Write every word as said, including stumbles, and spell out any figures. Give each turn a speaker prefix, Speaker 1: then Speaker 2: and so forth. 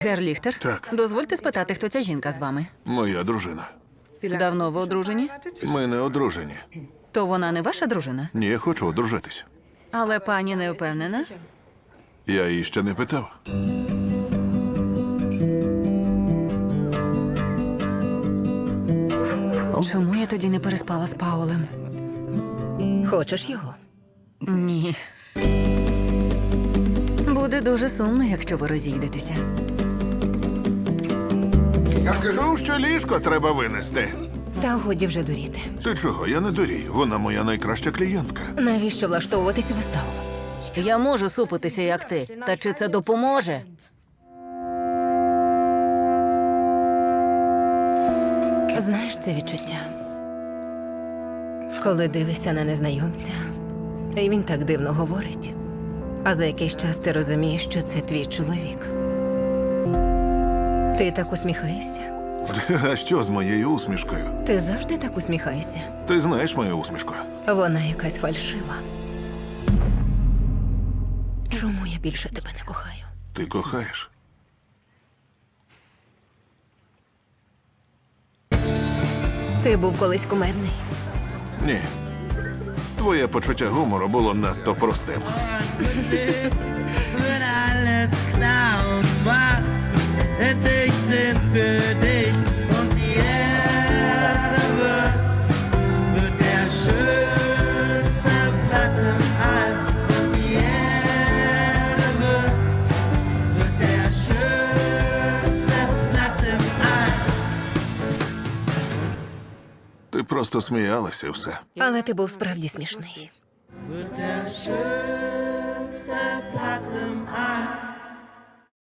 Speaker 1: Гер Ліхтер?
Speaker 2: Так.
Speaker 1: Дозвольте спитати, хто ця жінка з вами?
Speaker 2: Моя дружина.
Speaker 1: Давно ви одружені?
Speaker 2: Ми не одружені.
Speaker 1: То вона не ваша дружина?
Speaker 2: Ні, я хочу одружитись.
Speaker 1: Але пані не впевнена?
Speaker 2: Я її ще не питав.
Speaker 1: Чому я тоді не переспала з Паулем?
Speaker 3: Хочеш його?
Speaker 1: Ні. Буде дуже сумно, якщо ви розійдетеся.
Speaker 2: Чув, що ліжко треба винести.
Speaker 3: Та годі вже дуріти.
Speaker 2: Ти чого? Я не дурію. Вона моя найкраща клієнтка.
Speaker 3: Навіщо влаштовувати цю виставу?
Speaker 1: Я можу супитися, як ти. Та чи це допоможе?
Speaker 3: Знаєш це відчуття? Коли дивишся на незнайомця, і він так дивно говорить, а за якийсь час ти розумієш, що це твій чоловік. Ти так усміхаєшся?
Speaker 2: А що з моєю усмішкою?
Speaker 3: Ти завжди так усміхаєшся?
Speaker 2: Ти знаєш мою усмішку?
Speaker 3: Вона якась фальшива. Чому я більше тебе не кохаю?
Speaker 2: Ти кохаєш.
Speaker 3: Ти був колись кумедний.
Speaker 2: Ні. Твоє почуття гумору було надто простим.
Speaker 4: Wird alles klar und macht endlich Sinn für dich. Und die Erde wird, wird der schönste Platz im All. Und die Erde wird, wird der schönste Platz im All.
Speaker 2: Ти просто сміялася і все.
Speaker 3: Але ти був справді смішний.
Speaker 4: Wird der schönste Platz im All.